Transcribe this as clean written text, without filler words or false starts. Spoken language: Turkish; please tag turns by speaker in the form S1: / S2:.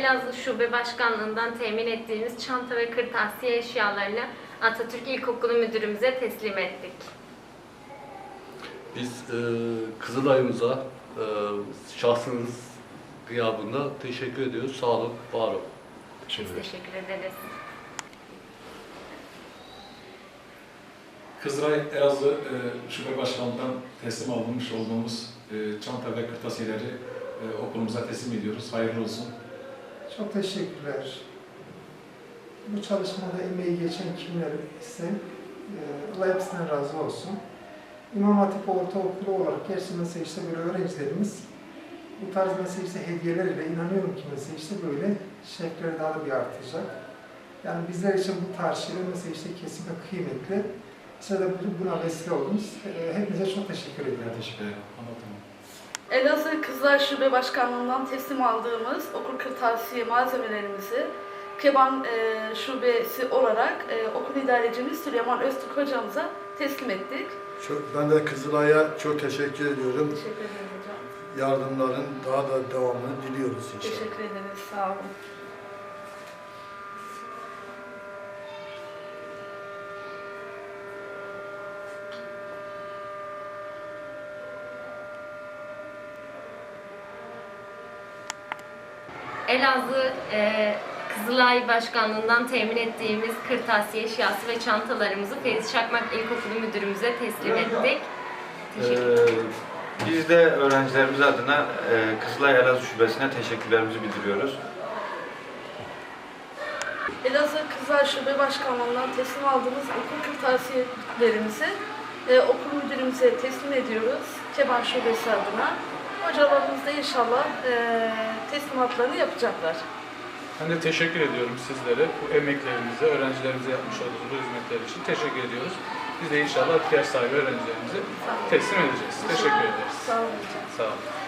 S1: Elazığ Şube Başkanlığı'ndan temin ettiğimiz çanta ve kırtasiye eşyalarını Atatürk İlkokulu Müdürümüze teslim ettik.
S2: Biz Kızılay'ımıza şahsınız gıyabında teşekkür ediyoruz. Sağ olun, var olun.
S1: Biz teşekkür ederiz.
S3: Kızılay Elazığ Şube Başkanlığı'ndan teslim alınmış olduğumuz çanta ve kırtasiyeleri okulumuza teslim ediyoruz. Hayırlı olsun.
S4: Çok teşekkürler. Bu çalışmada emeği geçen kimler ise Allah hepsinden razı olsun. İmam Hatip Ortaokulu olarak gerçi mesela işte böyle öğrencilerimiz bu tarz mesela işte hediyeler ile inanıyorum ki mesela işte böyle şevkleri daha da bir artacak. Yani bizler için bu tarz şeyler mesela işte kesinlikle kıymetli. Size de buna vesile oldunuz. Hepinize çok teşekkür ederim.
S3: Teşekkür ederim. Anlatamam.
S5: Elazığ Kızılay Şube Başkanlığı'ndan teslim aldığımız okul kırtasiye malzemelerimizi Keban Şubesi olarak okul idarecimiz Süleyman Öztürk hocamıza teslim ettik.
S6: Ben de Kızılay'a çok teşekkür ediyorum.
S5: Teşekkür ederim hocam.
S6: Yardımların daha da devamını diliyoruz inşallah.
S5: Teşekkür ederiz. Sağ olun.
S1: Elazığ Kızılay Başkanlığı'ndan temin ettiğimiz kırtasiye eşyası ve çantalarımızı Feriz Çakmak İlkokulu Müdürümüze teslim ettik. Teşekkürler.
S7: Biz de öğrencilerimiz adına Kızılay Elazığ Şubesi'ne teşekkürlerimizi bildiriyoruz.
S5: Elazığ Kızılay Şube Başkanlığı'ndan teslim aldığımız okul kırtasiyelerimizi okul müdürümüze teslim ediyoruz. Keban Şubesi adına. Hocalarımız da inşallah teslimatlarını yapacaklar.
S8: Ben de teşekkür ediyorum sizlere. Bu emeklerinize, öğrencilerimize yapmış olduğunuz bu hizmetler için teşekkür ediyoruz. Biz de inşallah ihtiyaç sahibi öğrencilerimize teslim edeceğiz. Teşekkür ederiz.
S5: Sağ olun hocam.
S8: Sağ olun.